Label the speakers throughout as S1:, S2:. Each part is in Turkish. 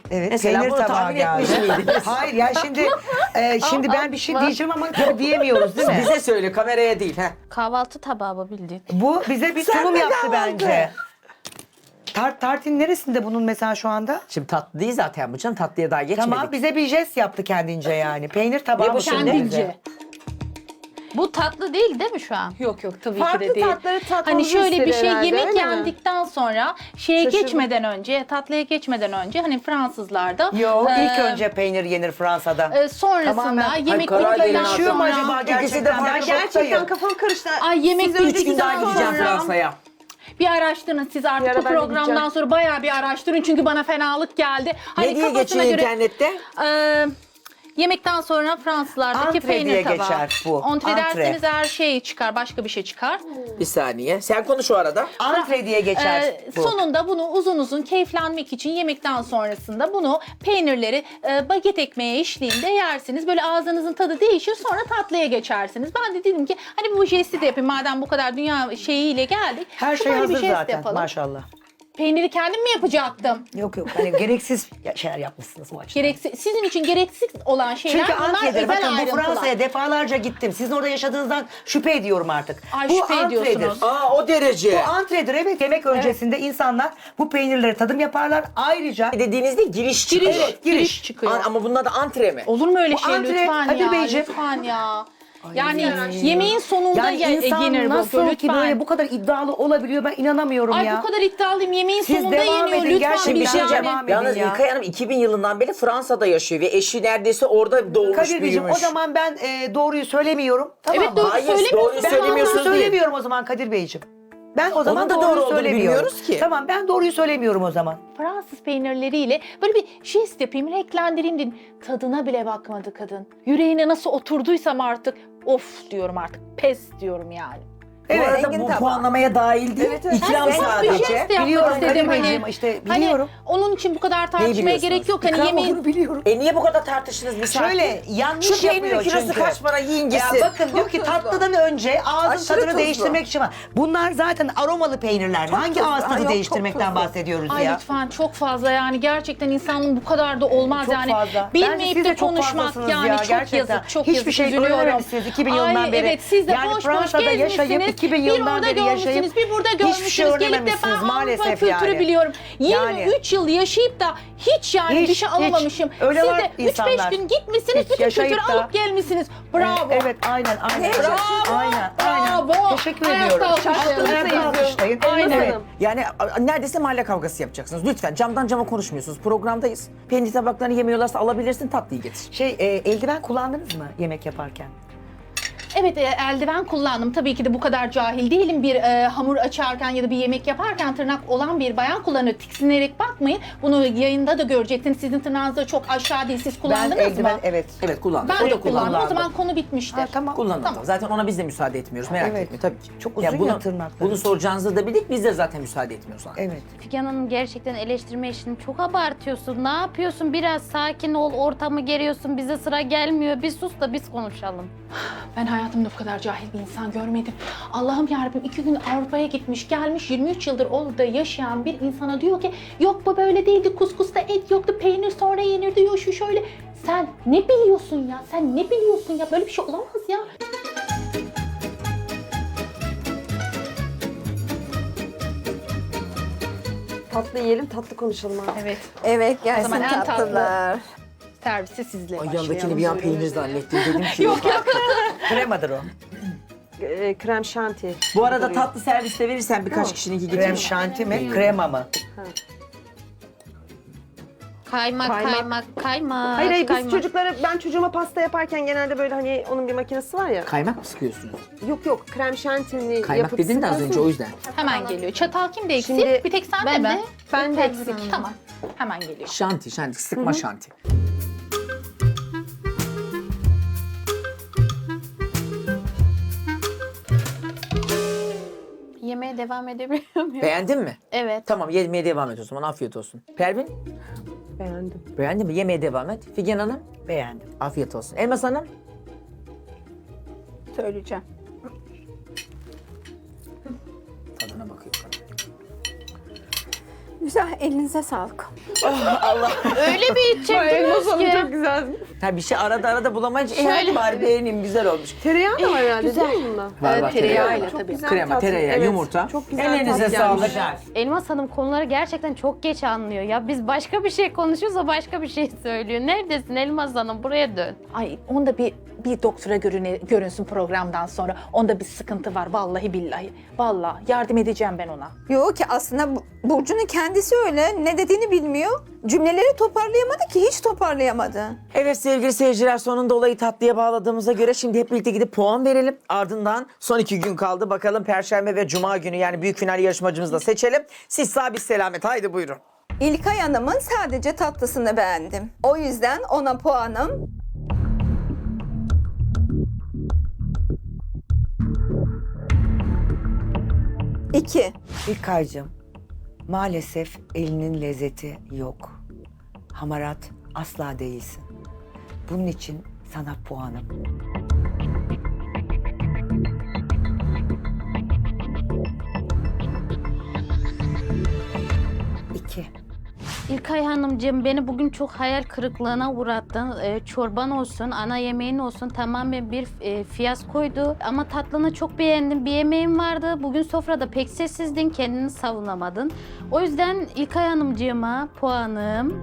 S1: Evet,
S2: Mesela
S1: peynir
S2: bunu
S1: tabağı
S2: tahmin
S1: geldi.
S2: etmiş miydiniz?
S1: Hayır ya şimdi ben bir şey diyeceğim ama tabii diyemiyoruz değil mi?
S2: Bize söyle, kameraya değil. Ha.
S3: Kahvaltı tabağı mı bildiğin?
S1: Bu bize bir
S2: Sen
S1: sunum
S2: de
S1: yaptı
S2: kahvaltı.
S1: bence. Tartın neresinde bunun mesela şu anda?
S2: Şimdi tatlı değil zaten bu canım. Tatlıya daha geçmedik.
S1: Tamam bize bir jest yaptı kendince yani. Peynir tabağı
S2: Ne bu
S1: mı
S2: şimdi?
S1: sundu bize?
S4: Kendince.
S3: Bu tatlı değil mi şu an?
S4: Yok tabii
S5: Farklı
S4: ki de değil.
S5: tatları tatmamızı
S4: Hani şöyle bir
S5: istedi
S4: şey
S5: herhalde,
S4: yemek
S5: öyle mi?
S4: yendikten sonra şeye
S5: Şaşırdım.
S4: geçmeden önce, tatlıya geçmeden önce hani Fransızlarda
S1: Yok
S4: e,
S1: ilk önce peynir yenir Fransa'da.
S4: sonrasında
S1: Tamamen-
S4: yemek
S2: Karadeniz
S4: bittikten
S1: Yaşıyor mu
S4: sonra
S1: acaba
S2: İkisi de
S1: gerçekten?
S2: farklı.
S1: Ben
S5: Gerçekten
S1: şoktayım.
S5: kafam karıştı.
S4: Ay yemek
S5: Siz
S2: 3 gün
S5: öldükten
S2: daha gideceğim
S5: sonra-
S2: Fransa'ya.
S4: bir araştırın siz
S5: Bir
S4: artık
S5: ara
S4: bu
S5: ben de
S4: programdan
S5: gideceğim.
S4: sonra bayağı bir araştırın çünkü bana fenalık geldi.
S2: Ne diye geçiyor internette?
S4: Yemekten sonra Fransızlardaki
S1: Antre
S4: peynir
S1: diye
S4: tabağı.
S1: geçer bu,
S4: Antre
S1: antre.
S4: derseniz her şey çıkar, başka bir şey çıkar.
S2: Bir saniye. Sen konuş o arada.
S1: Antre diye geçer bu.
S4: Sonunda bunu uzun uzun keyiflenmek için yemekten sonrasında bunu peynirleri baget ekmeğe eşliğinde yersiniz. Böyle ağzınızın tadı değişir sonra tatlıya geçersiniz. Ben de dedim ki hani bu jesti de yapayım madem bu kadar dünya şeyiyle geldik.
S1: Her şey
S4: böyle bir
S1: hazır
S4: jest
S1: zaten
S4: yapalım.
S1: maşallah.
S4: Peyniri kendim mi yapacaktım?
S1: Yok hani gereksiz şeyler yapmışsınız bu açıdan.
S4: Sizin için gereksiz olan şeyler
S1: Çünkü
S4: bunlar
S1: Antre'dir.
S4: özel
S1: Bakın bu
S4: ayrıntılar.
S1: Fransa'ya defalarca gittim. Sizin orada yaşadığınızdan şüphe ediyorum artık.
S4: Ay,
S1: bu
S4: şüphe
S1: antredir.
S4: ediyorsunuz.
S2: Aa o derece.
S1: Bu antredir evet. Yemek öncesinde insanlar bu peynirleri tadım yaparlar. Ayrıca
S2: Dediğinizde giriş çıkıyor.
S1: Evet, giriş.
S4: çıkıyor.
S2: Ama bunun adı antre mi?
S4: Olur mu öyle
S1: Bu
S4: şey
S1: antre,
S4: lütfen
S1: Kadir
S4: ya,
S1: Beyciğim.
S4: lütfen ya. Yani yemeğin sonunda
S1: yani insan
S4: yenir bu.
S1: nasıl
S4: Lütfen.
S1: ki böyle bu kadar iddialı olabiliyor ben inanamıyorum
S4: Ay
S1: ya.
S4: bu kadar iddialıyım. Yemeğin
S1: Siz
S4: sonunda
S1: devam
S4: yeniyor.
S1: edin,
S4: Lütfen
S1: gerçekten
S2: Bir
S4: bir
S2: şey
S4: yani.
S2: diyeceğim.
S1: devam edin
S2: Yalnız
S1: ya.
S2: İlkay Hanım 2000 yılından beri Fransa'da yaşıyor ve eşi neredeyse orada doğmuş
S1: Kadir Beyciğim
S2: büyümüş.
S1: o zaman ben doğruyu söylemiyorum. Tamam
S4: Evet
S1: mı?
S4: doğru
S2: Hayır,
S4: söylemiyorsun.
S2: doğruyu
S1: Ben
S2: söylemiyorsunuz
S1: doğruyu
S2: değil.
S1: söylemiyorum o zaman Kadir Beyciğim. Ben o zaman
S2: da doğru
S1: doğruyu
S2: olduğunu
S1: söylemiyorum.
S2: bilmiyoruz ki.
S1: Tamam ben doğruyu söylemiyorum o zaman.
S4: Fransız peynirleriyle böyle bir jest yapayım, renklendireyim dedim. Tadına bile bakmadı kadın. Yüreğine nasıl oturduysam artık of diyorum artık. Pes diyorum yani.
S2: Bu
S1: Evet,
S2: arada
S5: zengin
S2: bu
S5: tabağı.
S2: puanlamaya dahil değil.
S5: Evet, evet.
S2: İkram
S4: Bir jest
S2: sadece.
S4: yapmak
S1: Biliyorum
S4: istedim
S1: Kadir
S4: hani.
S1: Beyciğim işte
S4: Hani
S1: biliyorum.
S4: onun için bu kadar tartışmaya
S2: biliyorsunuz?
S4: gerek yok. Hani
S1: İkram
S4: yemeğin
S1: olduğunu biliyorum.
S2: Niye bu kadar tartıştınız bir saat?
S1: Şöyle yanlış
S2: Şu peynirin
S1: yapıyor
S2: kilosu
S1: çünkü.
S2: kaç para yiyin
S1: Ya
S2: gitsin.
S1: bakın diyor ki tatlıdan önce ağzın
S5: Aşırı
S1: tadını
S5: tuzlu.
S1: değiştirmek için var. Bunlar zaten aromalı peynirler. Hangi
S5: tuzlu.
S1: ağız
S5: Ha,
S1: tadı
S5: yok,
S1: değiştirmekten
S5: çok tuzlu.
S1: bahsediyoruz
S4: Ay
S1: ya?
S4: lütfen çok fazla yani gerçekten insanın bu kadar da olmaz
S1: Çok
S4: yani.
S1: fazla. Bence
S4: Bilmeyip
S1: siz
S4: de
S1: de çok
S4: konuşmak
S1: fazlasınız
S4: yani
S1: ya,
S4: çok
S1: gerçekten.
S4: yazık çok
S1: Hiçbir
S4: yazık
S1: şey
S4: üzülüyorum.
S1: öğrenememişsiniz 2000 yılından
S4: Ay,
S1: beri.
S4: Evet siz de
S1: Yani
S4: boş
S1: Fransa'da
S4: boş
S1: yaşayıp
S4: gezmişsiniz.
S1: 2000
S4: Bir
S1: yılından
S4: orada
S1: beri yaşayıp
S4: görmüşsünüz bir burada
S1: hiçbir şey
S4: görmüşsünüz. Gelip de ben
S1: öğrenememişsiniz
S4: Avrupa
S1: maalesef
S4: kültürü
S1: yani.
S4: biliyorum. 23
S1: Yani.
S4: yıl yaşayıp da hiç yani
S1: Hiç,
S4: bir şey
S1: hiç.
S4: alamamışım.
S1: Öyle
S4: Siz
S1: var
S4: de 3-5
S1: insanlar.
S4: gün gitmişsiniz
S1: Hiç
S4: bütün
S1: yaşayıp
S4: kültürü
S1: da-
S4: alıp gelmişsiniz. Bravo.
S1: Evet aynen.
S4: Bravo.
S1: Aynen.
S4: Bravo.
S1: Teşekkür
S4: Ayakta
S1: ediyorum.
S4: alkışlayalım.
S1: Ayakta alkışlayın.
S4: Aynen.
S1: Evet.
S2: Yani neredeyse mahalle kavgası yapacaksınız. Lütfen camdan cama konuşmuyorsunuz. Programdayız. Peynir tabaklarını yemiyorlarsa alabilirsin tatlıyı getir.
S1: Eldiven kullandınız mı yemek yaparken?
S4: Evet eldiven kullandım. Tabii ki de bu kadar cahil değilim. Bir hamur açarken ya da bir yemek yaparken tırnak olan bir bayan kullanıyor. Tiksinerek bakmayın. Bunu yayında da göreceksiniz. Sizin tırnağınız da çok aşağı değil. Siz kullandınız
S1: Ben eldiven
S4: mı?
S1: evet.
S2: Evet kullandım.
S4: Ben
S2: O
S4: de
S2: da kullandı.
S4: kullandım. O zaman konu bitmiştir.
S1: Ha, tamam.
S2: Kullandım.
S4: Tamam.
S2: Zaten ona biz de müsaade etmiyoruz. Merak
S1: Evet.
S2: etme tabii ki.
S1: Çok uzun ya tırnakları.
S2: Bunu soracağınızı da bildik. Biz de zaten müsaade etmiyoruz ona.
S1: Evet.
S3: Figen Hanım gerçekten eleştirme işini çok abartıyorsun. Ne yapıyorsun? Biraz sakin ol, ortamı geriyorsun. Bize sıra gelmiyor. Bir sus da biz konuşalım.
S4: Ben hayatımda bu kadar cahil bir insan görmedim. Allah'ım yarabbim 2 gün Avrupa'ya gitmiş, gelmiş 23 yıldır orada yaşayan bir insana diyor ki yok bu böyle değildi, kuskusta et yoktu, peynir sonra yenirdi, yok şu şöyle. Sen ne biliyorsun ya? Sen ne biliyorsun ya? Böyle bir şey olamaz ya.
S5: Tatlı yiyelim, tatlı konuşalım artık.
S4: Evet.
S5: Evet, gelsin
S4: zaman en tatlı.
S5: tatlılar.
S4: Servisi sizle
S2: Ay
S4: başlayalım.
S2: yandakini bir an peynir zannettim. Dedim ki
S4: Yok yok.
S1: Kremadır o.
S5: Krem şanti.
S2: Bu arada tatlı serviste verirsen birkaç kişininki
S1: Krem
S2: getirin.
S1: şanti mi? Krema mı?
S3: Kaymak.
S5: Hayır, biz
S3: kaymak.
S5: çocuklara, ben çocuğuma pasta yaparken genelde böyle hani onun bir makinesi var ya.
S2: Kaymak mı sıkıyorsunuz?
S5: Yok, krem şantini
S2: Kaymak
S5: yapıp
S2: dedin de az önce
S5: sıkıyorsun.
S2: o yüzden.
S4: Hemen geliyor. Çatal kimde eksik?
S5: Şimdi
S4: bir tek sen
S3: ben
S4: de
S3: de.
S4: mi?
S5: Ben de eksik.
S4: Tamam. Hemen geliyor.
S2: Şanti, sıkma şanti.
S3: Yemeğe devam edebiliyor muyum?
S2: Beğendin mi?
S3: Evet.
S2: Tamam yemeye devam et o zaman. Afiyet olsun. Pervin,
S5: Beğendim.
S2: beğendin mi? Yemeye devam et. Figen Hanım,
S1: Beğendim.
S2: afiyet olsun. Elmas Hanım,
S4: Söyleyeceğim.
S2: tadına bakıyor.
S6: Güzel, elinize sağlık.
S3: Öyle bir
S5: Elmas
S3: içecektiniz
S5: Hanım
S3: ki.
S5: çok güzel.
S2: Ha bir şey arada bulamayınca hadi bari beğeneyim güzel olmuş.
S5: Tereyağı da var herhalde
S3: güzel.
S5: değil mi bunda?
S2: Var var
S4: tereyağıyla
S5: Çok
S4: tabii.
S5: güzel
S2: Krema,
S5: tat.
S2: tereyağı,
S5: Evet,
S2: yumurta.
S5: Çok güzel
S2: Elinize
S5: tat
S2: sağlık.
S5: gelmiş.
S3: Elmas Hanım konuları gerçekten çok geç anlıyor ya. Biz başka bir şey konuşuyoruz, o başka bir şey söylüyor. Neredesin Elmas Hanım? Buraya dön.
S4: Ay onda bir doktora görünsün programdan sonra. Onda bir sıkıntı var vallahi billahi. Vallahi yardım edeceğim ben ona.
S6: Yok ki aslında Burcu'nun kendisi öyle. Ne dediğini bilmiyor. Cümleleri toparlayamadı ki, hiç toparlayamadı.
S2: Evet sevgili seyirciler, sonunda olayı tatlıya bağladığımıza göre şimdi hep birlikte gidip puan verelim. Ardından son 2 gün kaldı. Bakalım Perşembe ve Cuma günü yani büyük final yarışmacımızı da seçelim. Siz sağ biz selamet. Haydi buyurun.
S6: İlkay Hanım'ın sadece tatlısını beğendim. O yüzden ona puanım 2.
S1: İlkaycığım, maalesef elinin lezzeti yok. Hamarat asla değilsin. Bunun için sana puanım. İki.
S3: İlkay Hanımcığım beni bugün çok hayal kırıklığına uğrattın. Çorban olsun, ana yemeğin olsun tamamen bir fiyaskoydu. Ama tatlını çok beğendim. Bir yemeğim vardı. Bugün sofrada pek sessizdin, kendini savunamadın. O yüzden İlkay Hanımcığıma puanım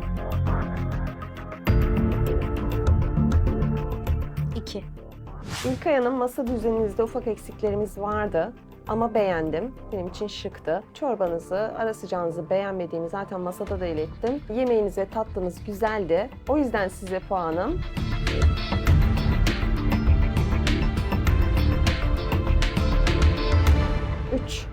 S3: 2.
S5: İlkay Hanım, masa düzeninizde ufak eksiklerimiz vardı. Ama beğendim. Benim için şıktı. Çorbanızı, ara sıcağınızı beğenmediğimi zaten masada da ilettim. Yemeğiniz ve tatlınız güzeldi. O yüzden size puanım 3.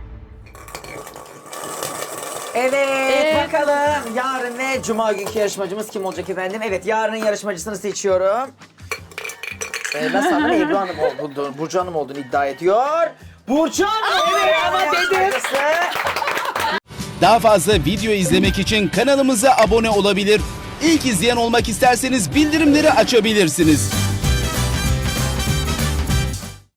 S2: Evet, bakalım yarın ve Cuma günkü yarışmacımız kim olacak efendim? Evet, yarının yarışmacısını seçiyorum. Nasıl adın Ebru Hanım olduğunu, Burcu Hanım olduğunu iddia ediyor. Burcu Hanım! Evet ama dedim.
S7: Daha fazla video izlemek için kanalımıza abone olabilir. İlk izleyen olmak isterseniz bildirimleri açabilirsiniz.